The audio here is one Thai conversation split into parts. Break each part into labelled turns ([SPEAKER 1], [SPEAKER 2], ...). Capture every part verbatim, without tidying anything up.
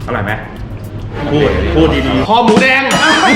[SPEAKER 1] อร่อยไหมพูดพูดดีๆ
[SPEAKER 2] คอหมูแดง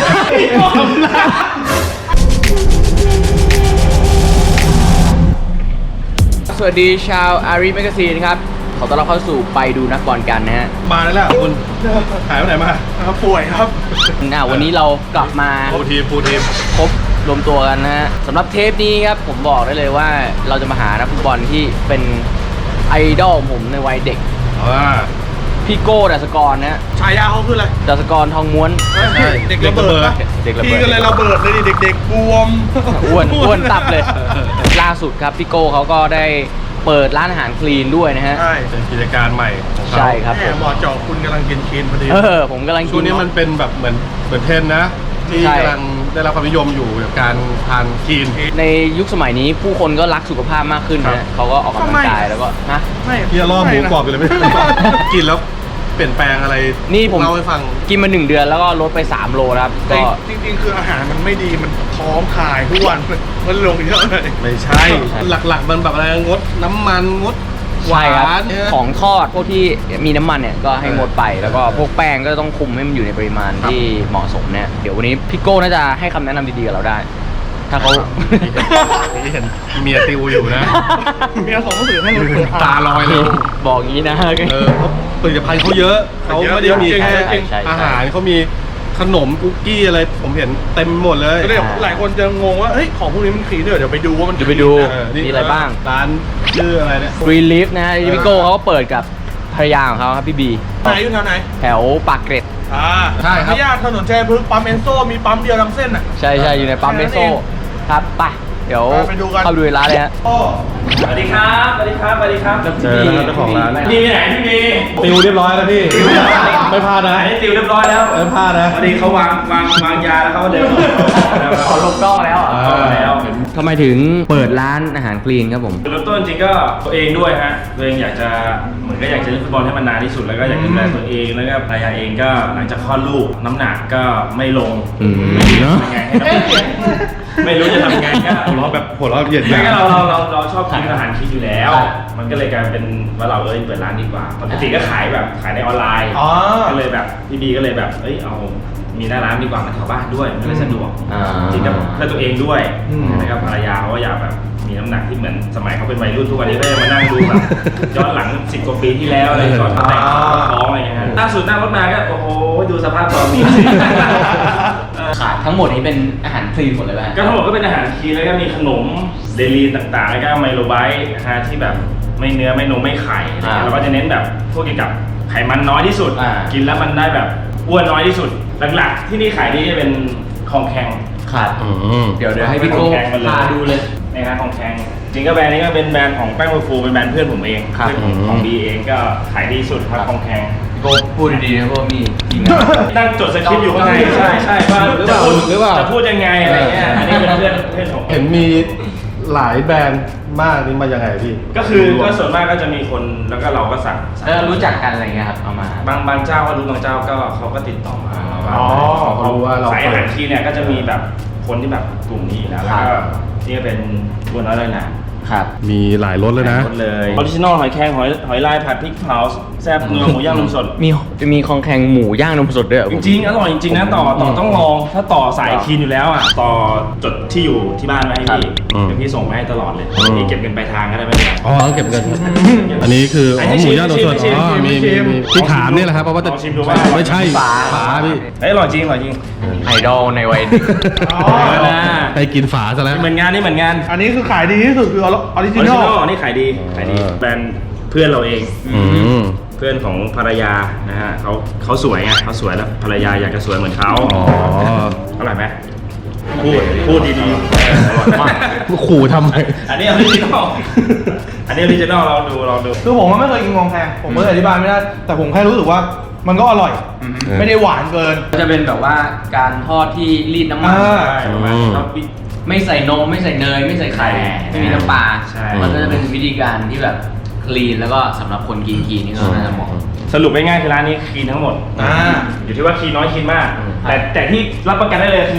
[SPEAKER 3] สวัสดีชาวอารีแมกกาซีนครับขอต้อนรับเข้าสู่ไปดูนักบอลกันนะฮะ
[SPEAKER 2] มาแล้วแหละคุณหายไปไหนมาป่วยครับ
[SPEAKER 3] อ่าวันนี้เรากลับมา
[SPEAKER 2] ฟูทีมฟูทีม
[SPEAKER 3] ครบรวมตัวกันนะฮะสำหรับเทปนี้ครับผมบอกได้เลยว่าเราจะมาหานักฟุตบอลที่เป็นไอดอลผมในวัยเด็ก
[SPEAKER 2] อ่า
[SPEAKER 3] พี่โก้ดัสกรนะฮะ
[SPEAKER 2] ฉายาเขาคืออะไร
[SPEAKER 3] ดัสกรทองม้วน
[SPEAKER 2] เด็กระเบิด
[SPEAKER 3] เด็กระเบิด
[SPEAKER 2] พี่ก็เลยระเบิดเลยดิเด็กๆบวม
[SPEAKER 3] อ้วนอ้วนตับเลย ล่าสุดครับพี่โก้เขาก็ได้เปิดร้านอาหารคลีนด้วยนะฮะ
[SPEAKER 2] ใช่เป็นกิจการใหม่ของเขา
[SPEAKER 3] ใช่ครับ
[SPEAKER 2] แหมเหมาะเจาะคุณกำลังกินคีนพอดี
[SPEAKER 3] เออผมกำลัง
[SPEAKER 2] ช่วงนี้มันเป็นแบบเหมือนเหมือนเทรนด์นะ ที่
[SPEAKER 3] ใช่
[SPEAKER 2] กำลังได้รับความนิยมอยู่กับการทานคีน
[SPEAKER 3] ในยุคสมัยนี้ผู้คนก็รักสุขภาพมากขึ้น
[SPEAKER 2] ครั
[SPEAKER 3] นะ
[SPEAKER 2] บ
[SPEAKER 3] เขาก็ออกกำลังกายแล้วก็ฮะ
[SPEAKER 2] ไม่พี่จะล่อหมูกรอบอยู่เลยไม่ได้กินแล้วเปลี่ยนแปลงอะไร
[SPEAKER 3] นี่ผม
[SPEAKER 2] เล่าให้ฟัง
[SPEAKER 3] กินมาหนึ่งเดือนแล้วก็ลดไปสามโลนะครับก็
[SPEAKER 4] จริงๆ คืออาหารมันไม่ดี มันท้องขายทุกวัน มันลงเยอะเลย
[SPEAKER 2] ไม่ใช่ หลักๆมันแบบอะไรงดน้ำมันงดหวา
[SPEAKER 3] ใช่ครับ
[SPEAKER 2] นเนี่ย
[SPEAKER 3] ของทอดพวกที่มีน้ำมันเนี่ยก็ให้งดไปแล้วก็พวกแป้งก็ต้องคุมให้มันอยู่ในปริมาณ
[SPEAKER 2] ครับ
[SPEAKER 3] ที่เหมาะสมเนี่ยเดี๋ยววันนี้พี่โก้น่าจะให้คำแนะนำดีๆกับเราได้ ถ้าเขา
[SPEAKER 2] นี่เห็นเมียติวอยู่นะ
[SPEAKER 4] เมียของหนังสือให้เราเปิด
[SPEAKER 2] ตาลอยเลย
[SPEAKER 3] บอกงี้นะ
[SPEAKER 2] เออเพราะผลิตภัณฑ์เขาเยอะเขาไม่ได้มีแค่
[SPEAKER 3] ใช่ใช่ใช่
[SPEAKER 2] อาหารเขามีขนมคุกกี้อะไรผมเห็นเต็มหมดเลย
[SPEAKER 4] ก็เลยหลายคนจะงงว่า เฮ้ย ของพวกนี้มันคลีนด้วยเดี๋ยวไปดูว่ามัน
[SPEAKER 3] เดี๋ยวไปดู
[SPEAKER 2] เออนี่
[SPEAKER 3] มีอะไรบ้าง
[SPEAKER 2] ร้านชื่ออะไรเนี่ย
[SPEAKER 3] Green Leaf นะฮะพี่โก้เขาก็เปิดกับภรรยาของเขาครับพี่บี
[SPEAKER 4] ไหนอยู่แถวไหน
[SPEAKER 3] แถวปากเกร็ด
[SPEAKER 4] อ่า
[SPEAKER 2] ใช่ครับ
[SPEAKER 4] ไม่ยากถนนชัยพฤกษ์ปั๊มเอนโซมีปั๊มเดียวทั้งเส้นอ่ะ
[SPEAKER 3] ใช่ใช่อยู่ในปั๊มเมโซครับไปเดี๋ยว
[SPEAKER 4] ไปดูกัน
[SPEAKER 3] เข้าไปดูในร้านเลยฮะ
[SPEAKER 4] โอ้
[SPEAKER 1] สวัสดีครับสวัสดีครับสวัสดีครับ
[SPEAKER 2] เจอแล้วครับเจ้าของร้าน
[SPEAKER 1] พี่ไปไหนพี่บี
[SPEAKER 2] ติวเรียบร้อยแล้วพี่ไม่พลาดนะ
[SPEAKER 1] อันนี้ติวเรียบร้อยแล้ว
[SPEAKER 2] ไม่พลาดนะ
[SPEAKER 1] พอดีเขาวางวางวางยาแล้วเขาก็เดิน
[SPEAKER 3] ขอลงกล้องแล้ว
[SPEAKER 2] อ่า
[SPEAKER 1] แล้ว
[SPEAKER 3] ทำไมถึงเปิดร้านอาหารคลีนครับผม
[SPEAKER 1] จุดเริ่มต้นจริงๆก็ตัวเองด้วยฮะตัวเองอยากจะเหมือนก็อยากจะเล่นฟุตบอลให้มันนานที่สุดแล้วก็อยากดูแลตัวเองแล้วก็ภรรยาเองก็หลังจากคลอดลูกน้ำหนักก็ไม่ลง
[SPEAKER 3] อืม
[SPEAKER 1] ไม่รู้จะทำยังไงให้น้ำหนักไม่รู้จะทำยังไงก็
[SPEAKER 2] หัวเราะแบบหัวเราะเหยียดห
[SPEAKER 1] ไม่
[SPEAKER 2] ยาม
[SPEAKER 1] ก็เราเราเราเราชอบกินอาหารคิดอยู่แล้ว
[SPEAKER 3] ครับ
[SPEAKER 1] มันก็เลยกลายเป็นว่าเราเอ้ยเปิดร้านดีกว่าปกติก็ขายแบบขายในออนไลน์
[SPEAKER 4] อ๋อ
[SPEAKER 1] ก็เลยแบบพี่บีก็เลยแบบเอ้ยเอามีหน้าร้านดีกว่ามันแถวบ้านด้วยมันเลยสะดวก
[SPEAKER 3] อ่า
[SPEAKER 1] จริงกับเพื่อตัวเองด้วย
[SPEAKER 4] อืม
[SPEAKER 1] นะครับภรรยาเขาก็อยากแบบมีน้ำหนักที่เหมือนสมัยเขาเป็นวัยรุ่นทุกวันนี้ก็ยังมานั่งดูแบบย้อนหลังสิบกว่าปีที่แล้วอะไรก่อนเขาแต่งเขาท้องอะไรอย่างเงี้ยฮะล่าสุดนั่งรถมาก็โอ้โหดูสภาพตอนนี้
[SPEAKER 3] ขายทั้งหมดนี้เป็นอาหารคลีนหมดเลยไหม
[SPEAKER 1] ก็ทั้งหมดก็เป็นอาหารคลีนแล้วก็มีขนมเดลีนต่างๆ แล้วก็ไมโลไบต์นะฮะที่แบบไม่เนื้อไม่นมไม่ไข่อะไรเงี้ยเราก็จะเน้นแบบพวกเกี่ยวกับไขมันน้อยที่สุด กินแล้วมันได้แบบอ้วนน้อยที่สุด หลักๆ ที่นี่ขายดีจะเป็นของแข็ง
[SPEAKER 3] ขาด
[SPEAKER 2] อืม
[SPEAKER 3] เดี๋ยวเดี๋ยวให้พี่โก้
[SPEAKER 1] ของแข็งมาเลย
[SPEAKER 3] พาดูเลย
[SPEAKER 1] นะฮะของแข็งจริงก็แบรนด์นี้ก็เป็นแบรนด์ของแป้งโมฟูเป็นแบรนด์เพื่อนผมเอง
[SPEAKER 3] ครับ
[SPEAKER 1] เพื่อนของของบีเองก็ขายดีสุดครับของแข็ง
[SPEAKER 3] พี่โก้พูดดีๆนะเพราะว่ามีทีมงาน
[SPEAKER 1] นั่งจดสคริปต์อยู่ข้างในใช่ใช่ว่า
[SPEAKER 2] หรือเปล่า
[SPEAKER 1] จะพูด
[SPEAKER 2] หรือเปล่า
[SPEAKER 1] จะพูดยังไงอะไรเงี้ยอันนี้เป็นเพื่อนเพื่อนของผม
[SPEAKER 2] เห็นมีหลายแบรนด์มากนี่มายังไงพี่
[SPEAKER 1] ก็คือก็ส่วนมากก็จะมีคนแล้วก็เราก็สั่งสั่ง
[SPEAKER 3] แล้วรู้จักกันอะไรเงี้ยครับเอามา
[SPEAKER 1] บางบางเจ้าก็รู้บางเจ้าก็เขาก็ติดต่อมา
[SPEAKER 2] อ๋อเขารู้ว่าเรา
[SPEAKER 1] สายอาหารที่เนี่ยก็จะมีแบบคนที่แบบกลุ่มนี้อยู่แล้วแล้วก็นี่ก็เป็นบัวน้อยเลยนะครับ
[SPEAKER 2] มีหลายรสเลยนะ
[SPEAKER 1] หมดเลยออริจินอลหอยแครงหอยหอยลายผัดพริกเผาแซ่บเนื้อหมูย่างนมสด
[SPEAKER 3] มีมีคองแข็งหมูย่างนมสดด้วยเหรอ
[SPEAKER 1] จ
[SPEAKER 3] ผม
[SPEAKER 1] ริงๆอร่อยจริงๆนะต่อต่อต้องลองถ้าต่อสายคีนอยู่แล้วอ่ะต่อจดที่อยู่ที่บ้านไว้ให้พี่
[SPEAKER 2] อืม
[SPEAKER 1] เดี๋ยวพี่ส่งมาให้ตลอดเลย
[SPEAKER 2] อืม
[SPEAKER 1] พี่เก็บเงินปลายทางก็ได้ไม่เป็นไร
[SPEAKER 2] อ๋อต้องเก็บเงินอันนี้คืออ๋อหมูย่างตัวสด
[SPEAKER 1] ชิม
[SPEAKER 2] อ๋อ
[SPEAKER 1] ชิม
[SPEAKER 2] มี
[SPEAKER 1] ชิ
[SPEAKER 2] มี
[SPEAKER 1] ม
[SPEAKER 2] มีที่ถามนี่แหละครับเพราะว่าจะ
[SPEAKER 1] ลองชิมดูว่า
[SPEAKER 2] ไม่ใช่
[SPEAKER 3] ฝา
[SPEAKER 2] ฝาพี่
[SPEAKER 1] เฮ้ยอร่อยจริงอร่อยจริง
[SPEAKER 3] ไอดอลในวัยเด็ก
[SPEAKER 4] อ๋อ
[SPEAKER 1] นะ
[SPEAKER 2] ไปกินฝาซะแล้ว
[SPEAKER 1] เหมือนงานนี่เหมือนงาน
[SPEAKER 4] อันนี้คือขายดีที่สุดคือออริ
[SPEAKER 1] อ
[SPEAKER 4] จิ
[SPEAKER 1] อริ
[SPEAKER 4] น
[SPEAKER 1] จิ
[SPEAKER 4] อล
[SPEAKER 1] นอลนี่ขายดีขายดี
[SPEAKER 2] เออ
[SPEAKER 1] แบรนด์เพื่อนเราเอง
[SPEAKER 2] อืม
[SPEAKER 1] เพื่อนของภรรยานะฮะเขาเขาสวยไงเขาสวยแล้วภรรยาอยากจะสวยเหมือนเขา
[SPEAKER 2] อ๋อ
[SPEAKER 1] อร่อยไหมพูดพูดดีๆเอออร่อยมาก
[SPEAKER 2] ขู่ทำไม
[SPEAKER 1] อันนี้ออริจินอลอันนี้ออริจินอลเราดูเราดู
[SPEAKER 4] คือผมมันไม่เคยกินงองแพงผมก็เลยอธิบายไม่ได้ แต่ผมแค่รู้สึกว่ามันก็อร่อย
[SPEAKER 3] อืม
[SPEAKER 4] ไม่ได้หวานเกิน
[SPEAKER 3] ก็จะเป็นแบบว่าการทอดที่รีดน้ำมัน
[SPEAKER 4] อ่า
[SPEAKER 1] ใช่ประมาณ
[SPEAKER 2] อืม
[SPEAKER 1] เราปิ
[SPEAKER 3] ไม่ใส่นมไม่ใส่เนยไม่ใส่ไข่
[SPEAKER 1] ใช่
[SPEAKER 3] ไม่มีน้ำปลา
[SPEAKER 1] ใช่
[SPEAKER 3] มันก็จะเป็นวิธีการที่แบบคลีนแล้วก็สำหรับคนกินคีนนี่ก็น่าจะเหมาะ
[SPEAKER 1] สรุปง่ายๆคือร้านนี้คลีนทั้งหมด
[SPEAKER 4] อ่า
[SPEAKER 1] อยู่ที่ว่าคลีนน้อยคลีนมาก
[SPEAKER 3] อืม
[SPEAKER 1] แต่แต่ที่รับประกันได้เลยคือ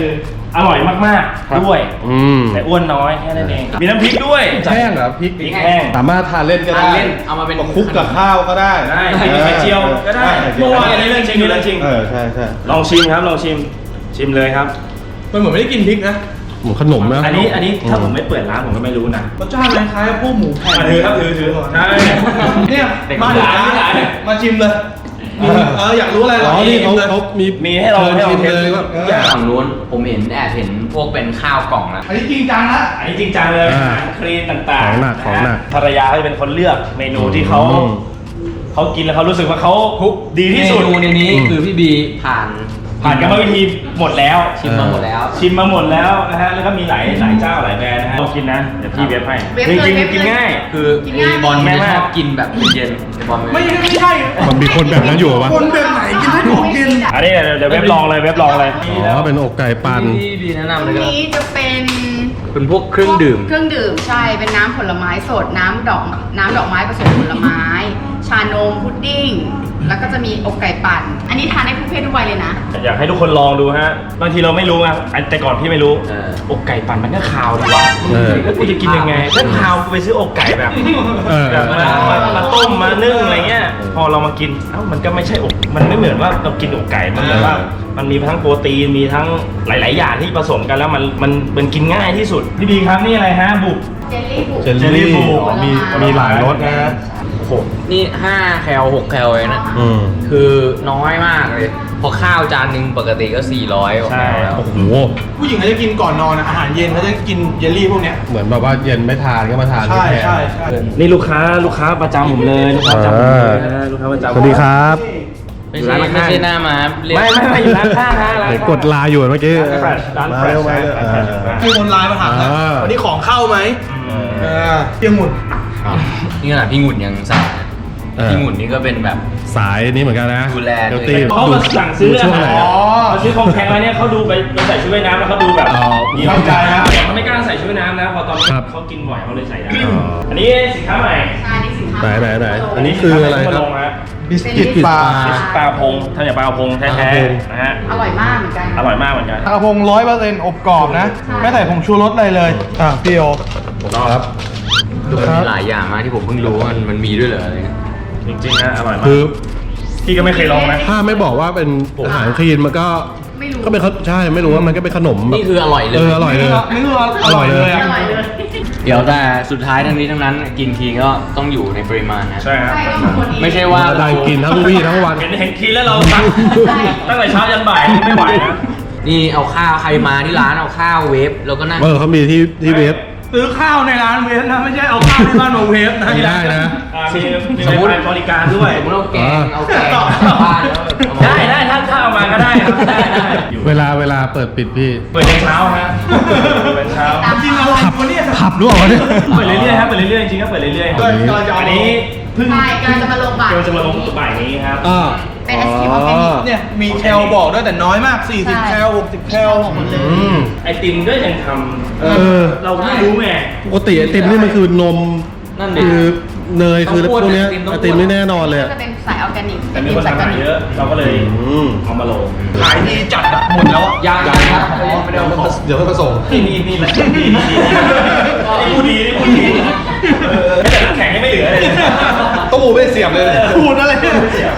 [SPEAKER 1] อร่อยมากๆด้วย
[SPEAKER 2] อืม
[SPEAKER 1] แต่อ้วนน้อยแค่นั้นเองมีน้ำพริกด้วย
[SPEAKER 2] แห้งเหรอพริก
[SPEAKER 1] พริกแห้ง
[SPEAKER 2] สามารถทานเล่นก็ได้
[SPEAKER 3] ทานเล่นเอามาเป็น
[SPEAKER 2] คลุกกับข้าวก็ได้
[SPEAKER 1] ได้มีไข่เจียวก็ได้เมื่อวานอันนี้เรื่องจริงเรื่องจริง
[SPEAKER 2] เออใช่ใช่
[SPEAKER 1] ลองชิมครับลองชิมชิมเลยครับ
[SPEAKER 4] มันเหมือนไม่ได้กินพริกนะ
[SPEAKER 2] หมูขนมนะ
[SPEAKER 1] อันนี้อันนี้ถ้าผมไม่เปิดร้านผมก็ไม่รู้นะ
[SPEAKER 4] รสชาติคล้ายๆพวกหมูแผ่น
[SPEAKER 1] อ่ะถือครับถือถือใช่
[SPEAKER 4] เนี่ยมาถึงร้านมาชิมเลยมีเอออยากรู้อะไร
[SPEAKER 2] อ๋อนี่เขา
[SPEAKER 4] ลย
[SPEAKER 2] เขามี
[SPEAKER 1] มีให้เราให้เรา
[SPEAKER 2] ชิม
[SPEAKER 1] เทส
[SPEAKER 2] เลยว่า
[SPEAKER 1] ทุกอย่าง
[SPEAKER 3] ฝั่งนู้นผมเห็นแอบเห็นพวกเป็นข้าวกล่องแล้ว
[SPEAKER 4] อันนี้จริงจังนะ
[SPEAKER 1] อันนี้จริงจังเลย
[SPEAKER 2] อ่า
[SPEAKER 1] อาหารคลีนต่าง
[SPEAKER 2] ของหนัก
[SPEAKER 1] ะ
[SPEAKER 2] ของหนัก
[SPEAKER 1] ภรรยาเขาจะเป็นคนเลือกเมนูที่เขา
[SPEAKER 2] อืม
[SPEAKER 1] เขากินแล้วเขารู้สึกว่าเขาดีที่สุด
[SPEAKER 3] เมนูในนี้
[SPEAKER 2] อืม
[SPEAKER 3] คือพี่บีผ่าน
[SPEAKER 1] ผ่านกรรมวิธีหมดแล้ว
[SPEAKER 3] ชิมมาหมดแล้ว
[SPEAKER 1] ชิมมาหมดแล้วนะฮะแล้วก็มีหลายหลายเจ้าหลายแบรนด์นะฮะลองกินนะเดี๋ยวพี่เว็บให้
[SPEAKER 5] เว็บ
[SPEAKER 1] จ
[SPEAKER 5] เลย
[SPEAKER 1] ริง
[SPEAKER 5] เว็บ
[SPEAKER 1] ๆกิน
[SPEAKER 5] เลย
[SPEAKER 1] ง่าย
[SPEAKER 3] คือ
[SPEAKER 5] กิน
[SPEAKER 3] ไอ้
[SPEAKER 5] ง่าย
[SPEAKER 3] บอล
[SPEAKER 1] แม่
[SPEAKER 3] ไม่
[SPEAKER 1] มาก
[SPEAKER 3] ชอบกินแบบเย็นๆไอ้บอล
[SPEAKER 4] ไม่
[SPEAKER 3] ไม่
[SPEAKER 4] ไม่ใช่
[SPEAKER 2] มันมีคนแบบนั้นอยู่ปะ
[SPEAKER 4] คนแบบไหนกินได้ของกิน
[SPEAKER 1] อันนี้เดี๋ยวเดี๋ยวเว็บลองเลยเว็บลองเลย
[SPEAKER 2] อ๋อเป็นอกไก่ปั่น
[SPEAKER 3] พี่บีแนะนำ
[SPEAKER 5] อั
[SPEAKER 3] เลย
[SPEAKER 5] น
[SPEAKER 3] ก็ได้
[SPEAKER 5] นี้จะเป็น
[SPEAKER 3] เป็นพวกเครื่องดื่ม
[SPEAKER 5] เครื่องดื่มใช่ เป็นน้ำผลไม้สด น้ำดอก น้ำดอกไม้ผสมผลไม้ ชานม พุดดิ้ง แล้วก็จะมีอกไก่ปั่น อันนี้ทานได้ทุกเพศทุกวัยเลยนะ
[SPEAKER 1] อยากให้ทุกคนลองดูฮะบางทีเราไม่รู้อะอันแต่ก่อนพี่ไม่รู้
[SPEAKER 3] เออ
[SPEAKER 1] อกไก่ปั่นมันก็คาวดีวะ
[SPEAKER 2] เออ
[SPEAKER 1] แล้วกูจะกินยังไงถ้าคาวกูไปซื้ออกไก่แบบ
[SPEAKER 2] เออ
[SPEAKER 1] แบบมามามาต้มมานึ่งอะไรเงี้ย พอเรามากินเอ้ามันก็ไม่ใช่อกมันไม่เหมือนว่าเรากินอกไก่มันแบบว่า มันมีทั้งโปรตีนมีทั้งหลาย ๆ อย่างที่ผสมกันแล้วมันมันมันกินง่ายที่สุดพี่บีครับนี่อะไรฮะบุก
[SPEAKER 5] เจลลี่บุก
[SPEAKER 2] เจลลี่
[SPEAKER 1] บู
[SPEAKER 2] อ๋อมีมีหลายรสนะ
[SPEAKER 1] โอ้โห
[SPEAKER 3] นี่ห้าแคลหกแคลเองนะ
[SPEAKER 2] อืม
[SPEAKER 3] คือน้อยมากเลย พอข้าวจานหนึ่งปกติก็สี่ร้อยกว่าแคลแล้ว
[SPEAKER 2] โอ้โห
[SPEAKER 4] ผู้หญิงเขาจะกินก่อนนอนอะอาหารเย็นเขาจะกินเยลลี่พวกเนี้ย
[SPEAKER 2] เหมือนแบบว่าเย็นไม่ทานก็มาทาน
[SPEAKER 4] ใช่
[SPEAKER 2] แทน
[SPEAKER 4] ใช่ใช่
[SPEAKER 1] นี่ลูกค้าลูกค้าประจำผมเลยลูกค้าประจำผมเลยนะลูกค้าประจำ
[SPEAKER 2] สวัสดีครับ
[SPEAKER 3] ไม่ใช่ไม่ใช่หน้ามาเรียก
[SPEAKER 1] ไม่ไม่ไม่อยู่ร้านข้างฮะร้าน
[SPEAKER 2] เดี๋ยว
[SPEAKER 1] ข้าง
[SPEAKER 2] กดไลน์อยู่เมื่อกี้
[SPEAKER 1] ร้าน
[SPEAKER 2] มา
[SPEAKER 1] แฟลช
[SPEAKER 2] เร็วมา
[SPEAKER 1] ร้าน
[SPEAKER 2] เร็ว
[SPEAKER 1] แฟลช
[SPEAKER 2] อ่า
[SPEAKER 1] ร้านแฟลช
[SPEAKER 4] มีคนไลน์มาถามนะ
[SPEAKER 2] อ่า
[SPEAKER 4] วันนี้ของเข้าไหม
[SPEAKER 1] อืม
[SPEAKER 4] เออเที่ยงหมุน
[SPEAKER 3] นี่ขนาดพี่หงุ่นยังสั่งนะ
[SPEAKER 2] เออ
[SPEAKER 3] พี่หงุ่นนี่ก็เป็นแบบ
[SPEAKER 2] สายนี้เหมือนกันนะ
[SPEAKER 3] ดูแล
[SPEAKER 2] เดี๋ยว
[SPEAKER 3] ตัว
[SPEAKER 2] ตี
[SPEAKER 3] เอง
[SPEAKER 1] เขามาสั่งซื้อ
[SPEAKER 2] ดูช่วงไหน
[SPEAKER 1] อ๋
[SPEAKER 2] อะ
[SPEAKER 1] อเขาซื้อของแพงมาเนี่ยเขาดูไปไปใส่ชุดว่ายน้ำแล้วเขาดูแบบ
[SPEAKER 2] อ๋อ
[SPEAKER 1] มีเข้าใจนะเขาไม่กล้าใส่ชุดว่ายน้ำนะพอตอน
[SPEAKER 2] ครับ
[SPEAKER 1] เขากินบ่อยเขาเลยใส่ได้
[SPEAKER 2] อ๋อ
[SPEAKER 1] อันนี้สินค้าใหม่
[SPEAKER 5] ใช่นี่สินค้า
[SPEAKER 2] ไหนไหนไหน
[SPEAKER 5] โ
[SPEAKER 2] อันนี้คืออะไรครับ
[SPEAKER 1] มาลงฮะ
[SPEAKER 2] บิสกิตปลา
[SPEAKER 1] ปลาพงทำจากปลาพงแท้
[SPEAKER 2] ปลาพง
[SPEAKER 1] ๆนะฮะ
[SPEAKER 5] อร่อยมากเหมือนกัน
[SPEAKER 1] อร่อยมากเหมือนกัน
[SPEAKER 4] กระพงร้อยเปอร์เซ็นต์อบกรอบนะ
[SPEAKER 5] ใช่
[SPEAKER 4] ไม่ใส่ผงชูรสอะไรเลย อ่ะพี่โอ
[SPEAKER 2] ครับ
[SPEAKER 3] คือมันมีหลายอย่างมากที่ผมเพิ่งรู้ว่ามันมันมีด้วยเหรออะไรเงี้ย
[SPEAKER 1] จริงๆนะอร่อยมาก
[SPEAKER 2] คือ
[SPEAKER 1] พี่ก็ไม่เคยลองนะ
[SPEAKER 2] ถ้าไม่บอกว่าเป็นอาหารคลีนมันก็
[SPEAKER 5] ไม่รู้
[SPEAKER 2] ก็เป็นขนใช่ไม่รู้ว่ามันก็เป็นขนมแบบ
[SPEAKER 3] นี่คืออร่อยเลย
[SPEAKER 2] เอออร่อยเลย
[SPEAKER 4] นี่คืออร่อยเลย
[SPEAKER 5] อ
[SPEAKER 4] อ่ะ
[SPEAKER 5] ร่อยเลย
[SPEAKER 3] เดี๋ยวแต่สุดท้ายทั้งนี้ทั้งนั้นกินทีก็ต้องอยู่ในปริมาณนะ
[SPEAKER 1] ใช่ครับ
[SPEAKER 5] ใช่ก็เหมือนคนนี้
[SPEAKER 3] ไม่ใช่ว่า
[SPEAKER 2] ได้กินทั้งวี่ทั้งวัน
[SPEAKER 1] เห็นเห็นทีแล้วเราตั้งตั้งแต่เช้ายันบ่ายนี่ไม่ไหวนะ
[SPEAKER 3] นี่เอาข้าวใครมาที่ร้านเอาข้าวเวฟแล้วก็นั่ง
[SPEAKER 2] เออเขามีที่ที่เวฟ
[SPEAKER 4] ซื้อข้าวในร้านเวฟนะ ไม่ใช่เอาข้าวที่บ้านมาเวฟนะ
[SPEAKER 2] ไม่ได้นะ
[SPEAKER 1] อ่ามีมีไวไฟบริการด้วย
[SPEAKER 3] สมมติเอาแกงเอาแกง
[SPEAKER 1] ต่อ
[SPEAKER 3] บ้านแล้วเอามา
[SPEAKER 1] ได้ได้ถ้าถ้าเอามาก็ได้ครับได้ได้อยู่
[SPEAKER 2] เวลาเวลาเปิดปิดพี่
[SPEAKER 1] เปิดยันเช้าฮะเปิดเช้า
[SPEAKER 4] กินอะไรวะเนี่ย
[SPEAKER 2] ผับรู้เปล่าวะเนี่ย
[SPEAKER 1] เปิดเรื่อยๆครับเปิดเรื่อยๆจริงๆก็เปิดเรื่อยๆ
[SPEAKER 4] ก็กำลังจะเอา
[SPEAKER 1] อันนี้เพิ่ง
[SPEAKER 5] ใช่กำลังจะมาลงบ่าย
[SPEAKER 1] กำลังจะมาลงบ่ายนี้ครับ
[SPEAKER 2] อ่า
[SPEAKER 5] เป็นไอศกรีมออร์แกนิก
[SPEAKER 4] เนี่ยมีแคลบอกด้วยแต่น้อยมาก สี่สิบ
[SPEAKER 5] ใช่
[SPEAKER 4] แคลหกสิบแคล
[SPEAKER 5] หมดเลย
[SPEAKER 2] อืม
[SPEAKER 1] ไอติมก็ยังทำ
[SPEAKER 2] เออ
[SPEAKER 1] เราไม่รู้ไง
[SPEAKER 2] ปกติไอติมนี่มันคือนม
[SPEAKER 3] นั่นดิ
[SPEAKER 2] คือเนยคือ
[SPEAKER 3] ต้อง
[SPEAKER 2] พ
[SPEAKER 3] อ้วน
[SPEAKER 2] วกเนี้ย
[SPEAKER 3] ไอติมต้อง
[SPEAKER 2] ไอติมนี่แน่นอนเลย
[SPEAKER 5] ก็
[SPEAKER 2] อะ
[SPEAKER 5] จะเป็นสายออร์แกนิก
[SPEAKER 1] แต่
[SPEAKER 5] เป็น
[SPEAKER 1] มี
[SPEAKER 5] ติม
[SPEAKER 1] คน
[SPEAKER 5] สายออ
[SPEAKER 1] ทำ
[SPEAKER 5] ร์แกนิก
[SPEAKER 1] เยอะ เราก็เลย
[SPEAKER 2] อืม
[SPEAKER 1] เอามาลง
[SPEAKER 4] ขายดีจัดอะหมดแล้วอะ
[SPEAKER 3] ยังยังครับไม่ได้เอาของ
[SPEAKER 2] เดี๋ยวค่อยมาส่ง
[SPEAKER 1] นี่นี่นี่นี่นี่นี่นี่พูดดีนี่พูดดีเออแต่น้ำแข็งยังไม่เหลือเลย
[SPEAKER 2] ต้องมูไม่เสียบเลย
[SPEAKER 4] พูดอะไรเนี่ย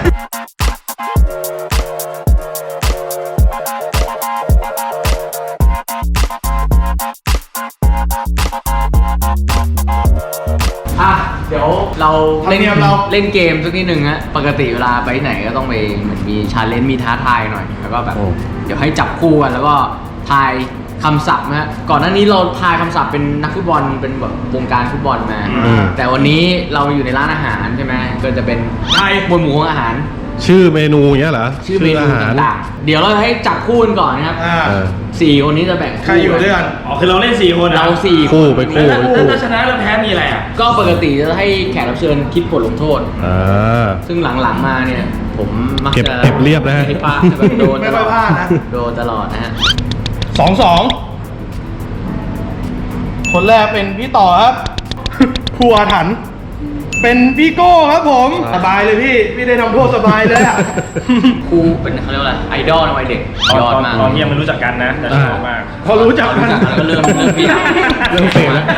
[SPEAKER 3] อ่ะเดี๋ยวเราเล่น
[SPEAKER 4] ธรรมเนียมเรา
[SPEAKER 3] เล่นเกมสักนิดหนึ่งฮะปกติเวลาไปที่ไหนก็ต้องไปเหมือนมีชาเลนจ์มีท้าทายหน่อยแล้วก็แบบ
[SPEAKER 2] โอ้
[SPEAKER 3] เดี๋ยวให้จับคู่กันแล้วก็ทายคำศัพท์นะฮะก่อนหน้านี้เราทายคำศัพท์เป็นนักฟุตบอลเป็นแบบวงการฟุตบอลมา
[SPEAKER 2] อืม
[SPEAKER 3] แต่วันนี้เราอยู่ในร้านอาหารใช่ไหมก็จะเป็น
[SPEAKER 4] ไทย
[SPEAKER 3] หมวดหมู่ของอาหาร
[SPEAKER 2] ชื่อเมนูเงี้ยเหรอ
[SPEAKER 3] ชื่อเมนู
[SPEAKER 2] อาหาร
[SPEAKER 3] ต่างๆ เดี๋ยวเราให้จับคู่กันก่อนนะครับ
[SPEAKER 4] อ่า
[SPEAKER 2] เออ
[SPEAKER 3] สี่คนนี้จะแบ่ง
[SPEAKER 4] ใครอยู่ด้วยกัน
[SPEAKER 1] อ๋อคือเราเล่นสี่คน
[SPEAKER 3] เราสี่
[SPEAKER 2] คู่ไปคู่
[SPEAKER 1] แล้ว
[SPEAKER 2] ไป
[SPEAKER 1] ถ้า
[SPEAKER 2] คู่
[SPEAKER 1] ถ้าชนะแล้วแพ้มีอะไรอ่ะ
[SPEAKER 3] ก็ปกติจะให้แขกรับเชิญคิดบทลงโทษ
[SPEAKER 2] อ่า
[SPEAKER 3] ซึ่งหลังๆมาเนี่ย ผมมัก
[SPEAKER 2] เก็บ
[SPEAKER 3] จะ
[SPEAKER 2] เก็บเรียบนะฮะ
[SPEAKER 3] ไม่พลาดแบบโดน
[SPEAKER 4] ไม่
[SPEAKER 3] ต
[SPEAKER 4] ค่
[SPEAKER 3] ล
[SPEAKER 4] อย
[SPEAKER 3] อด
[SPEAKER 4] พลาดนะ
[SPEAKER 3] โดนตลอดนะฮะ
[SPEAKER 4] สองสองคนแรกเป็นพี่ต่อครับ ครูอาถรรพ์เป็นพี่โก้ครับผม สบายเลยพี่ พี่ได้ทำโทษสบายเลยอ่ะ
[SPEAKER 3] ครูเป็นเขาเรียกว่าอะไรไอดอลในวัยเด็ก
[SPEAKER 1] ตอน
[SPEAKER 3] ยอด
[SPEAKER 1] ตอน
[SPEAKER 3] มาก
[SPEAKER 1] ตอนที่ยังไม่รู้จักกันนะแต่ชอบมาก
[SPEAKER 4] พอรู้จักกัน
[SPEAKER 3] แล้วก็เริ่มเริ่มพี่
[SPEAKER 2] เริ่มเฟรแล้ว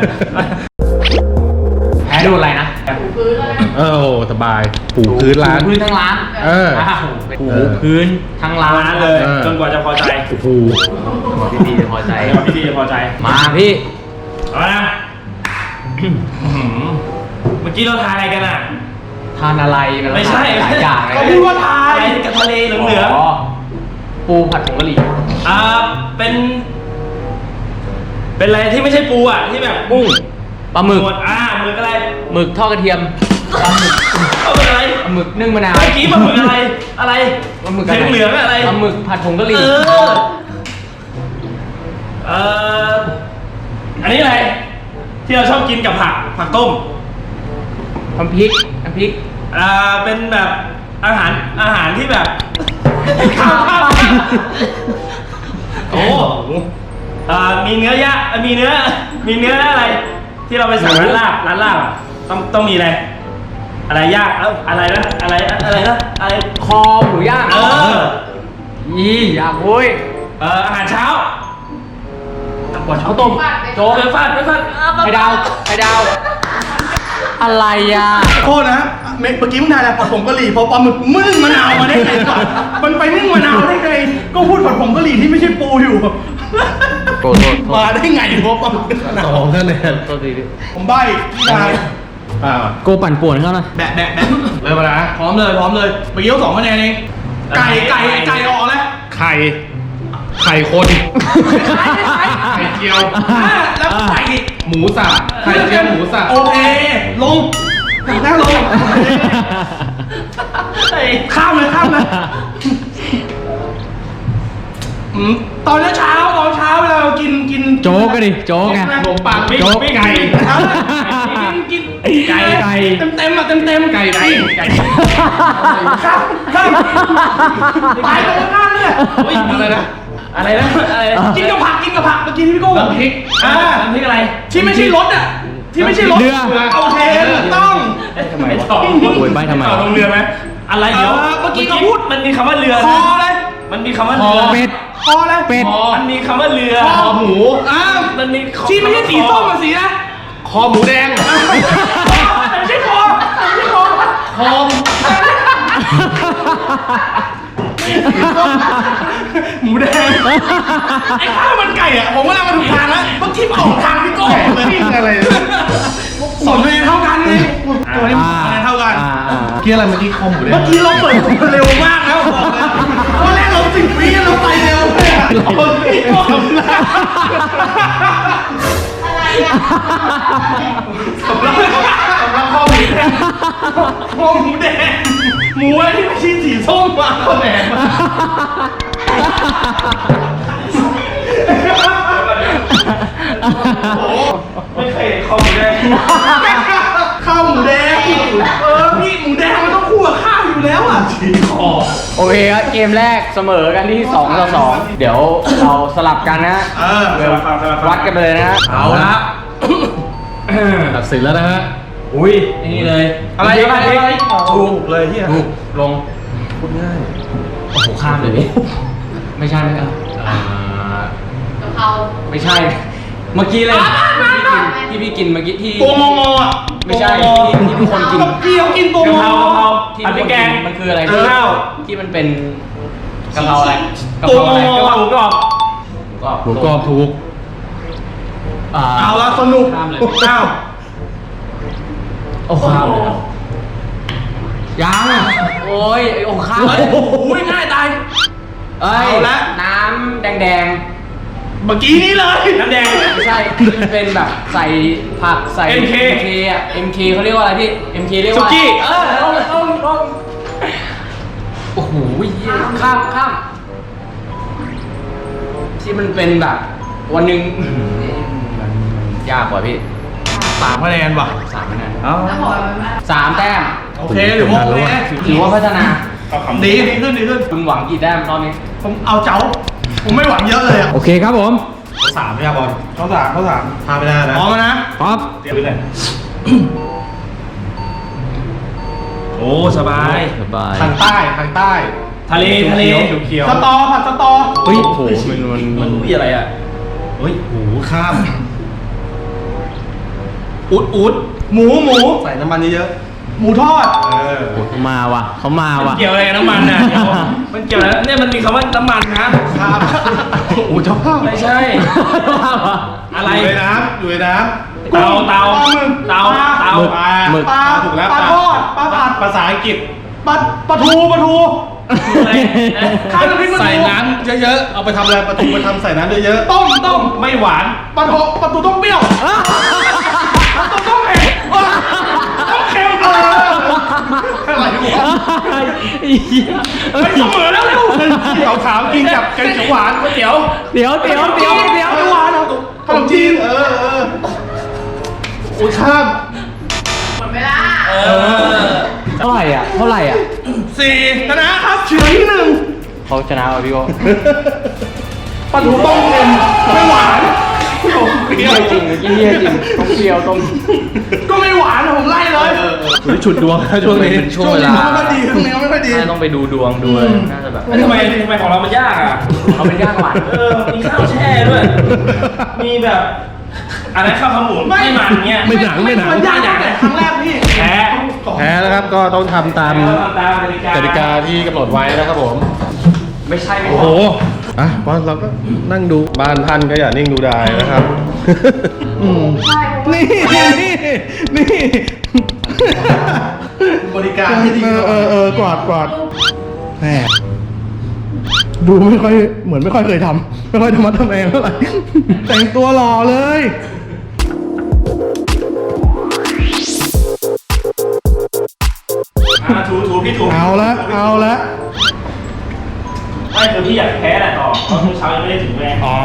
[SPEAKER 3] แพ้โดนอะไรนะ
[SPEAKER 5] ถูพื้นเลย
[SPEAKER 2] เออโอ้สบายปูพื้นร้าน
[SPEAKER 3] ถูพื้นทั้งร้าน
[SPEAKER 2] เออ
[SPEAKER 3] อ้าวถูพื้นทั้งร้าน
[SPEAKER 1] ร้านเลย
[SPEAKER 2] เออ
[SPEAKER 1] จนกว่าจะพอใจ
[SPEAKER 2] โอ้โห
[SPEAKER 3] พี่ดีจะพอใจ
[SPEAKER 1] จนกว่าพี่ดีจะพอใจ
[SPEAKER 3] มาพี่
[SPEAKER 1] เอาละอื้อหือเมื่อกี้เราทายอะไรกันอ่ะ
[SPEAKER 3] ทานอะไรน
[SPEAKER 1] ไม่ใช่
[SPEAKER 3] หลายอย่างเลย
[SPEAKER 4] ก็พูดว่าทาย
[SPEAKER 1] อะไรกับทะเลเหลือง
[SPEAKER 3] อ๋อปูผัดผงกะหรี่
[SPEAKER 1] ๆอ่าเป็น เป็นอะไรที่ไม่ใช่ปูอ่ะที่แบบ
[SPEAKER 3] กุ้งปลาหมึก
[SPEAKER 1] หมดอ่าหมึกอะไร
[SPEAKER 3] หมึกทอดกระเทียมปลาหมึก
[SPEAKER 1] เอาเป็นอะไร
[SPEAKER 3] ปลาหมึกนึ่งมะนาว
[SPEAKER 1] เมื่อกี้ปลาหมึกอะไร อะไร
[SPEAKER 3] ปลาหมึก
[SPEAKER 1] เหลืองๆอะไร
[SPEAKER 3] ปลาหมึกผัดผงกะห
[SPEAKER 1] เอ
[SPEAKER 3] รี่
[SPEAKER 1] อเอออันนี้อะไร ที่เราชอบกินกับผัก ผักต้ม
[SPEAKER 3] น้ำพริกน้ำพริก
[SPEAKER 1] อ่า เป็นแบบอาหาร อาหารที่แบบ ข้าวข้าวโอ้อ่ามีเนื้อย่างอ่ะมีเนื้อ มีเนื้ออะไร ที่เราไปสั่งร้านลาบ ร้านลาบอ่ะ ต้อง ต้องมีอะไร อะไรย่างเอ้าอะไรนะ อะไร อะไรนะ อะไร
[SPEAKER 3] คอหมูย่าง
[SPEAKER 1] เออ
[SPEAKER 3] ยี่อยากโว้ย
[SPEAKER 1] เอ่ออาหารเช้า
[SPEAKER 3] ข้าวต้ม
[SPEAKER 1] โจ๊กไปฟาดไปฟาด
[SPEAKER 3] ไข่ดาวไข่ดาว อะไรอ่ะ
[SPEAKER 4] โทษนะเมื่อกี้มึงทายอะไรผัดผงกะหรี่พอปลาหมึกมึงมะนาวมาได้ไงก่อนมันไปนึ่งมะนาวได้ไง ก็พูดผัดผงกะหรี่ที่ไม่ใช่ปูอยู่
[SPEAKER 3] โทษโทษโทษ
[SPEAKER 4] มาได้ไงพอปลาหมึกมะนาว
[SPEAKER 2] สองคะแนน
[SPEAKER 3] โทษทีดิ
[SPEAKER 4] ผมใบ้พี่นาย
[SPEAKER 2] อ่า
[SPEAKER 3] โกปั่นป่วนเขาหน่อย
[SPEAKER 4] แบะแบะแบะเริ่มมานะพร้อมเลยพร้อมเลยเมื่อกี้เอาสองคะแนนเองไก่ไก่ไก่ออกแล้ว
[SPEAKER 2] ไข่ ไข่คน ไข่เจียว
[SPEAKER 4] อ่ะแล้วไก่อีก
[SPEAKER 2] หมูสับ ไข่เจียวหมูสับ
[SPEAKER 4] โอเคลงนั่งลงข้ามเลยข้ามเลยอืมตอนเช้าตอนเช้าเวลาเรากินกิน
[SPEAKER 3] โจ๊กก็ดิโจ๊กไง
[SPEAKER 4] ขนมปัง
[SPEAKER 1] โจ๊กไก่
[SPEAKER 4] เออกินกิน
[SPEAKER 3] ไก่ไก่
[SPEAKER 4] เต็มเต็มๆอ่ะเต็มเต็มๆ
[SPEAKER 2] ไก่ไก่ไก่
[SPEAKER 4] ข้ามข้ามตายตรงข้ามเลย
[SPEAKER 1] อุ๊ยอะไรนะ อะไรนะ อะไรนะ
[SPEAKER 4] กินกับผักกินกับผักเมื่อกี้ที่พี่โก้บอก
[SPEAKER 1] น้ำพริก
[SPEAKER 4] อ่า
[SPEAKER 1] น้ำพริกอะไร
[SPEAKER 4] ที่ไม่ใช่รสอ่ะที่ไม่ใช่รส
[SPEAKER 3] เรือ
[SPEAKER 4] โอเคถูกต้อง
[SPEAKER 1] ทำไมตอบ
[SPEAKER 3] โอ้ยใบ้ทำไม
[SPEAKER 1] ตอบลงเรือไหมอะไรเดี๋ยว
[SPEAKER 4] เออเมื่อกี้เขาพูด
[SPEAKER 1] มันมีคำว่าเรือ
[SPEAKER 4] ค
[SPEAKER 1] นะ
[SPEAKER 4] อเลย
[SPEAKER 1] มันมีคำว่าเรือ
[SPEAKER 3] เป็ด
[SPEAKER 4] คอเลย
[SPEAKER 3] เป็ด
[SPEAKER 1] มันมีคำว่าเรือ
[SPEAKER 4] คอหมูอ่า
[SPEAKER 1] มันมี
[SPEAKER 4] ที่ไม่ใช่สีส้มกับสีนะ
[SPEAKER 2] คอหมูแดง
[SPEAKER 4] ไม่ใช่คอไม่ใช่คอ
[SPEAKER 2] คอม
[SPEAKER 4] หมูแดงไอ้ข้าวมันไก่อ่ะผมว่าเรามาถูกทางแล้วเมื่อกี้มาออกทางพี่โก้เลย
[SPEAKER 2] ปิ้งอะไรเนี่ย
[SPEAKER 4] สองคะแนนเท่ากันเลยตัวนี้คะแนนเท่ากัน
[SPEAKER 3] อ่าอ่า
[SPEAKER 2] เมื่อกี้อะไรเมื่อกี้คอหมูแดง
[SPEAKER 4] เมื่อกี้เราเปิดตัวเร็วมากแล้วบอกเลยตอนแรกเราสิบวิเราไปเร็วเลยอะพี่โก้ทำหน้า
[SPEAKER 5] อะไรอ่ะ
[SPEAKER 4] สำหรับสำหรับข้อหมูแดงข้อหมูแดงหมูอะไรที่ไม่ใช่สีส้มมาข้อแดงมา
[SPEAKER 1] ไม่เคยเห็นคอหมูแดง
[SPEAKER 4] ข้าวหมูแดงเออพี่หมูแดงมันต้องคู่กับข้าวอยู่แล้วอ่ะชีคอ
[SPEAKER 3] โอเคครับเกมแรกเสมอกันที่สองต่อสองเดี๋ยวเราสลับกันนะ
[SPEAKER 4] เออ
[SPEAKER 1] สลับฟังสลับฟัง
[SPEAKER 3] วัดกันไปเลยนะ
[SPEAKER 4] เอาละ
[SPEAKER 2] ตัดสินแล้วนะฮะ
[SPEAKER 3] อุ้ยนี่เลย
[SPEAKER 4] อะไร
[SPEAKER 3] พริก
[SPEAKER 4] อะไร
[SPEAKER 3] พริก
[SPEAKER 4] อะไรถูกเลยที่
[SPEAKER 3] ถูกลง
[SPEAKER 2] พูดง่าย
[SPEAKER 3] โอ้โหข้ามเลยพี่ไม่ใช่ไม่ใช่
[SPEAKER 2] อ่า
[SPEAKER 5] กะเพรา
[SPEAKER 3] ไม่ใช่ เมื่อกี้เลยที่พี่กินที่พี่กินเมื่อกี้ที่
[SPEAKER 4] ตัวงองออ่ะ
[SPEAKER 3] ไม่ใช่ที่ที่ทุกคนกิน
[SPEAKER 4] กับพี่เขากินตัว
[SPEAKER 1] กะ
[SPEAKER 4] ง
[SPEAKER 1] เพรากะเพรา
[SPEAKER 3] ที่
[SPEAKER 1] ผัดพริกแกง
[SPEAKER 3] มันคืออะไร
[SPEAKER 1] เออข้าว
[SPEAKER 3] ที่มันเป็นกะเพราอะไรกะ
[SPEAKER 4] ตัว
[SPEAKER 3] เพราอะไร
[SPEAKER 4] ง
[SPEAKER 1] กะเพราหมูกรอบ
[SPEAKER 3] ก็
[SPEAKER 2] หมูกรอบถูก
[SPEAKER 3] อ่า
[SPEAKER 4] เอาละสนุก
[SPEAKER 3] ข้ามเลย
[SPEAKER 4] อ้าว
[SPEAKER 3] โอ้ข้ามเลยครับยังโอ้ยไอ้โอ้ข้าม
[SPEAKER 4] เฮ้ยโอ้โหง่ายตาย
[SPEAKER 3] เอ้ย
[SPEAKER 4] เอาละ
[SPEAKER 3] น้ำแดง
[SPEAKER 4] เมื่อกี้นี้เลย
[SPEAKER 1] น้ำแดง
[SPEAKER 3] ๆไม่ใช่ที่มันเป็นแบบใส่ผักใส่
[SPEAKER 1] เอ็มเค
[SPEAKER 3] เคอ่ะ เอ็ม เค เขาเรียกว่าอะไรพี่ เอ็ม เค เรียกว่า
[SPEAKER 1] สุกี้
[SPEAKER 3] เออลงลงลงโอ้โหเหี้ยข้ามข้ามที่มันเป็นแบบวันหนึ่งอื้อหือมันมันยากกว่าพี่
[SPEAKER 4] สามคะแนนว่ะ
[SPEAKER 3] สามคะแนน
[SPEAKER 4] เอา
[SPEAKER 5] แล้วบอกมันว่า
[SPEAKER 3] สามแต้ม
[SPEAKER 4] โอเคหรือว่าโอเค
[SPEAKER 3] ถือว่าพัฒนา
[SPEAKER 1] เอาคำ
[SPEAKER 4] ดีดีขึ้นดีขึ้น
[SPEAKER 3] คุณหวังกี่แต้มรอบนี้
[SPEAKER 4] ผมเอาเจ้า ผมไม่หวังเยอะเลยอ่ะ
[SPEAKER 3] โอเคครับผม
[SPEAKER 2] สามใช่ไหมบอล
[SPEAKER 4] เขาสามเขาสาม
[SPEAKER 2] พาไม่ได้นะ
[SPEAKER 4] พร้อมนะ
[SPEAKER 3] ครับ
[SPEAKER 1] เดี๋ยวไปเลยอ้สบาย
[SPEAKER 3] สบาย
[SPEAKER 2] ทางใต้ทางใต้
[SPEAKER 1] ทะเลทะเล
[SPEAKER 2] เขียว
[SPEAKER 4] สตอผัดสตอ
[SPEAKER 3] เฮ้ยโอ้โหมันมันมัน
[SPEAKER 1] อุ้ยอะไรอ่ะเฮ้ย
[SPEAKER 2] ๆหูข้าม
[SPEAKER 1] อุดอุด
[SPEAKER 4] หมูหมู
[SPEAKER 2] ใส่น้ำมันเยอะ
[SPEAKER 4] หมูทอด
[SPEAKER 2] ๆเออ
[SPEAKER 3] เขามาว่ะเขามา
[SPEAKER 1] มัน
[SPEAKER 3] ว่ะ
[SPEAKER 1] เกี่ยวอะไรกับน้ำมันอ่ะเดี๋ยวมันเกี่ยวอะไรเนี่ยมันมีคำว่าน้ำมันนะ
[SPEAKER 2] ข้ามโอ้เจ้าภาพ
[SPEAKER 1] ไม่ใช่ อะไร
[SPEAKER 2] อยู่ในน้ำอยู่ในน้ำ
[SPEAKER 1] เตาเตา
[SPEAKER 4] ปลาหมึก
[SPEAKER 1] เตาเตา
[SPEAKER 2] ปลา
[SPEAKER 3] หมึก
[SPEAKER 4] ปลา
[SPEAKER 2] ถูกแล้ว
[SPEAKER 4] ปลาทอดปลาผัด
[SPEAKER 2] ภาษาอังกฤษ
[SPEAKER 4] ปลาปลาทูปลาทู
[SPEAKER 1] อะไรนะ
[SPEAKER 4] ข้าวน้ำพริกปลาทู
[SPEAKER 2] ใส่น้ำเยอะๆ เอาไปทำอะไรปลาทูมาทำใส่น้ำเยอะๆ
[SPEAKER 4] ต้มต้ม
[SPEAKER 2] ไม่หวาน
[SPEAKER 4] ปลาทูปลาทูต้มเปรี้ยวปลาทูต้มเผ็ดต้มเค็มเออ
[SPEAKER 2] อะไรวะ
[SPEAKER 4] ไปเสมอแล้วเร็ว
[SPEAKER 2] ขาวๆกินกับแกงเขียวหวานก๋วยเตี๋ยว
[SPEAKER 3] เดี๋ยวเดี๋ยวเดี๋ยวเดี๋ยว
[SPEAKER 4] หวานเอา
[SPEAKER 2] ขนมจีน เออเอออุ้ยข้าม
[SPEAKER 5] หมดเวลา
[SPEAKER 1] เออ
[SPEAKER 3] เท่าไหร่อ่ะเท่าไหร่อ่ะ
[SPEAKER 4] สี่ชนะครับเฉือนที่หนึ่ง
[SPEAKER 3] เขาชนะว่ะพี่โก้
[SPEAKER 4] ปลาทูต้มเค็มไม่หวาน
[SPEAKER 2] เปรี้ยว
[SPEAKER 3] จริงเมื่อกี้เฮียจริงต้องเปรี้ยวต้อง
[SPEAKER 4] ก็ไม่หวานอะผมไล่เลย
[SPEAKER 2] อุ้ยฉุดดวงนะช่วงนี้
[SPEAKER 3] เป็นช่วงเวลา
[SPEAKER 4] ไม่ค่อยดีช่วงนี้ไม่ค่อยดี
[SPEAKER 3] น่าต้องไปดูดวงดูอะไรน่าจะแบบ
[SPEAKER 1] แล้วทำไมทำไมของเรามันยากอ่ะ
[SPEAKER 3] เอาเป็นยากกว่า
[SPEAKER 1] เออ มีข้าวแช่ด้วย มีแบบอะไรข้าวขาหมูไม่มันเงี้ย
[SPEAKER 2] ไม่หนังไม่หนัง
[SPEAKER 4] มันยากตั้งแต่ครั้งแรกพี่
[SPEAKER 1] แพ้
[SPEAKER 2] แพ้แล้วครับ ก็ต้องทำตาม
[SPEAKER 1] แล้วทำตามกติกาก
[SPEAKER 2] ติกาที่กำหนดไว้นะครับผม
[SPEAKER 3] ไม่ใช่ไม่
[SPEAKER 2] โอ้โห อ่ะเพราะเราก็นั่งดูบ้านท่านก็อย่านิ่งดูดายนะครับ อืม
[SPEAKER 5] ใช่เพราะว่า
[SPEAKER 2] นี่นี่นี่บริการที่ดีเออเออเออกอดกอดแหมดูไม่ค่อยเหมือนไม่ค่อยเคยทำไม่ค่อยธรรมะทำแมงเท่าไหร่ แต่งตัวหล่อเลย
[SPEAKER 1] อ่าถูถูพี่ถู
[SPEAKER 2] เอาละเอาละ
[SPEAKER 1] ไม่คือพี่อยากแพ้แหละต่อเพราะเมื่อเช้ายังไม่ได้ถึงแม่
[SPEAKER 2] อ๋อ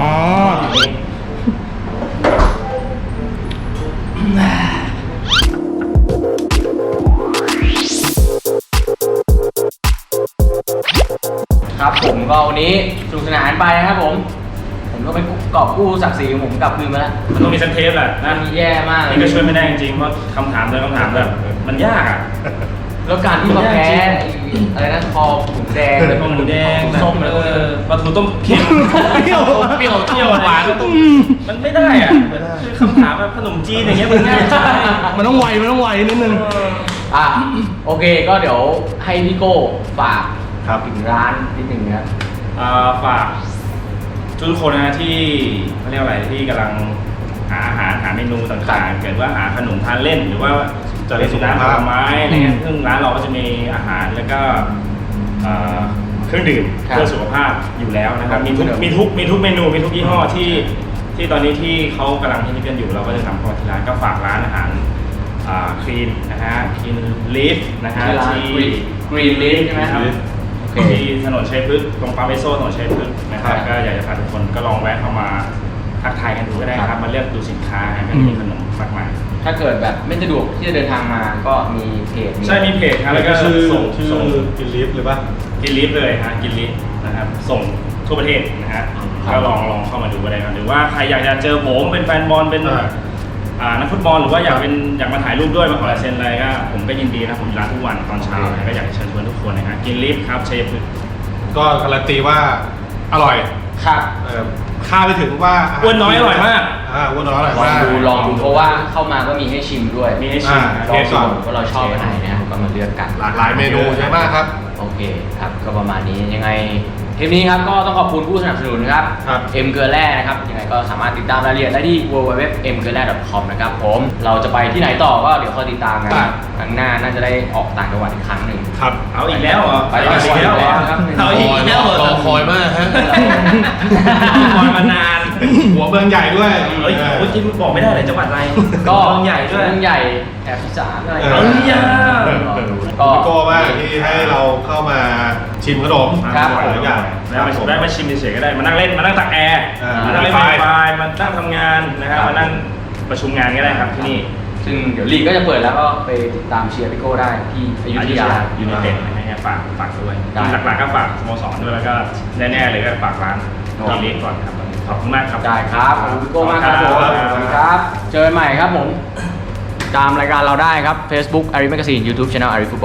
[SPEAKER 3] ครับผมก็วันนี้สนุกสนานไปนะครับผม ผมก็ไปกอบกู้ศักดิ์ศรีของผมกลับคืนมาแล้ว
[SPEAKER 1] มันต้องมีสันเทปแหละนะ
[SPEAKER 3] มันแย่มากเลย
[SPEAKER 1] นี่ก็ช่วยไม่ได้จริงๆเพราะคำถามแต่ละคำถามแบบมันยากอ่ะ
[SPEAKER 3] แล้วการที่มาแพ้ไอ้อะไรนะคอหมูแดง
[SPEAKER 1] เป็นพวกหมูแดง
[SPEAKER 3] ส้มอะไรพวก
[SPEAKER 1] เอ
[SPEAKER 3] นี้
[SPEAKER 1] อปลาทูต้มเค็ม
[SPEAKER 2] เปรี้ยว
[SPEAKER 1] เปรี้ยวเปรี้ยวหวานมันไม่ได้อ่ะคือคำถามแบบขนมจีนอย่างเงี้ยมันง่ายใช่
[SPEAKER 2] มันต้องไวมันต้องไวนิดนึง
[SPEAKER 3] อ่ะโอเคก็เดี๋ยวให้พี่โก้ฝาก
[SPEAKER 2] ครับ
[SPEAKER 3] ถึงร้านนิดหนึ่งนะครับ
[SPEAKER 1] อ่าฝากทุกคนนะที่เขาเรียกอะไรที่กำลังหาอาหารหาเมนูต่างๆเกิดว่าหาขนมทานเล่นหรือว่า
[SPEAKER 2] จะได้
[SPEAKER 1] เป็น
[SPEAKER 2] สุข
[SPEAKER 1] ร้านผ
[SPEAKER 2] ภาพ
[SPEAKER 1] ลไม้อะไรเงี้ยซึ่งร้านเราก็จะมีอาหารแล้วก็เอ่อเครื่องดื่ม
[SPEAKER 3] ครับ
[SPEAKER 1] เพื่อสุขภาพอยู่แล้วนะครับมีทุก
[SPEAKER 3] ครับ
[SPEAKER 1] มีทุกมีทุกเมนูมีทุกยี่ห้อที่ที่ตอนนี้ที่เขากำลังฮิตกันอยู่เราก็จะทำเข้ามาที่ร้านก็ฝากร้านอาหารคลีนนะฮะคลีนลีฟนะฮะ
[SPEAKER 3] ที่ร้าน
[SPEAKER 1] ที่
[SPEAKER 3] Green Leaf ใช่ไหมครับ โอเค
[SPEAKER 1] ที่ถนนชัยพฤกษ์ตรงปั๊มเอสโซถนนชัยพฤกษ์นะครับ
[SPEAKER 3] ครับ
[SPEAKER 1] ก็อยากจะพาทุกคนก็ลองแวะเข้ามาทักทายกันดูก็ได้ค
[SPEAKER 3] ครั
[SPEAKER 1] รับบ มาเลือกดูสินค้ากันมีขนมมากมาย
[SPEAKER 3] ถ้าเกิดแบบไม่สะดวกที่จะเดินทางมาก็มีเพจ
[SPEAKER 1] ใช่มีเพจครับแล้วก็
[SPEAKER 2] ชื่อ
[SPEAKER 1] ส่ง
[SPEAKER 2] ชื่อ
[SPEAKER 1] ส่ง
[SPEAKER 2] กินลิฟต์หรือปะ
[SPEAKER 1] กินลิฟต์เลยฮะกินลิฟต์นะครับส่งทั่วประเทศนะฮะ
[SPEAKER 3] ครับ
[SPEAKER 1] ก็ลองลองเข้ามาดูก็ได้ครับหรือว่าใครอยากจะเจอผมเป็นแฟนบอลเป็น
[SPEAKER 2] อ่า
[SPEAKER 1] อ่านักฟุตบอลหรือว่าอยากเป็นอยากมาถ่ายรูปด้วยมาขอลายเซ็นอะไรก็ผมก็ยินดีนะผมอยู่ร้านทุกวันตอนเช้านะก็อยากจะเชิญชวนทุกคนนะฮะกินลิฟต์ครับชัยพฤกษ์
[SPEAKER 2] ก็การันตีว่าอร่อย
[SPEAKER 3] ครับ
[SPEAKER 2] เออคาดไปถึงว่า
[SPEAKER 1] อ้วนน้อยอร่อยมาก
[SPEAKER 2] อ่าอ้วนน้อยอร่อย
[SPEAKER 3] ลอง
[SPEAKER 2] มาก
[SPEAKER 3] ดูลองดูเพราะว่าเข้ามาก็มีให้ชิมด้วย
[SPEAKER 1] มีให้ชิม
[SPEAKER 2] อ่า
[SPEAKER 3] ลอง
[SPEAKER 2] เทสก่
[SPEAKER 3] ดู
[SPEAKER 2] อน
[SPEAKER 3] ว่าเราชอบอันไหนนะครับก็มาเลือกกัน
[SPEAKER 2] หลากหลายเมนูเยอะมากครับ
[SPEAKER 3] โอเคครับก็ประมาณนี้ยังไงเทปนี้ครับก็ต้องขอบคุณผู้สนับสนุนครับ
[SPEAKER 2] ครับ
[SPEAKER 3] เอ็มเกลือแร่นะครับยังไงก็สามารถติดตามรายละเอียดได้ที่ ดับเบิลยู ดับเบิลยู ดับเบิลยู ดอท เอ็มเกลือแร่ ดอท คอม นะครับผมเราจะไปที่ไหนต่อก็เดี๋ยวคอยติดตามกัน
[SPEAKER 2] ครับ
[SPEAKER 3] ครั้งหน้าน่าจะได้ออกต่างจังหวัดอีกครั้งหนึ่ง
[SPEAKER 2] ครับ
[SPEAKER 1] เอาอีกแล้วเหรอ
[SPEAKER 3] ไปต่างจังหวัดอีกแล้วครับ
[SPEAKER 1] เอาอีกแล้วเหรอ
[SPEAKER 2] รอคอยมากฮะ
[SPEAKER 1] คอยมานาน
[SPEAKER 2] หัวเมืองใหญ่ด้วย
[SPEAKER 1] เฮ้ยเมื่อกี้บอกไม่ได้เลยจังหวัดอะไร
[SPEAKER 3] ก็
[SPEAKER 1] เมืองใหญ่ด้วย
[SPEAKER 3] เมืองใหญ่แถบอีสานอะไร
[SPEAKER 2] เอ
[SPEAKER 1] เอ้
[SPEAKER 2] อ
[SPEAKER 1] ยยา
[SPEAKER 3] ก็
[SPEAKER 2] พี่โก้มากที่ให้เราเข้ามาชิมขนม
[SPEAKER 3] ครับ
[SPEAKER 2] หลายอย่าง
[SPEAKER 1] ได้มาได้มาชิมเฉยๆก็ได้มานั่งเล่นมานั่งตักแอร์
[SPEAKER 2] อ่า
[SPEAKER 1] มานั่งเล่น
[SPEAKER 2] ไฟ
[SPEAKER 1] ไฟมานั่งทำงานนะครับ
[SPEAKER 3] ครับ
[SPEAKER 1] มานั่งประชุมงานก็ได้ครับที่นี่
[SPEAKER 3] ซึ่งเดี๋ยวลีกก็จะเปิดแล้วก็ไปติดตามเชียร์พี่โก้ได้ที่อยุธยา
[SPEAKER 1] ยูไนเต็ดนะฮะฝากฝากด้วย
[SPEAKER 3] ได้
[SPEAKER 1] หลักๆก็ฝากสโมสรด้วยแล้วก็แน่ๆเลยก็ฝากร้าน
[SPEAKER 3] ครับ
[SPEAKER 1] ทีเล็กก่อนครับขอบคุณมากครับ
[SPEAKER 3] ได้ครับขอบคุณพี่โก้มากครับผม
[SPEAKER 1] ครับ
[SPEAKER 3] สวัสดีครับ เจอกันใหม่ครับผมตามรายการเราได้ครับ Facebook อาริ Magazine YouTube Channel อาริ Football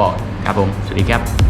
[SPEAKER 3] ครับผม สวัสดีครับ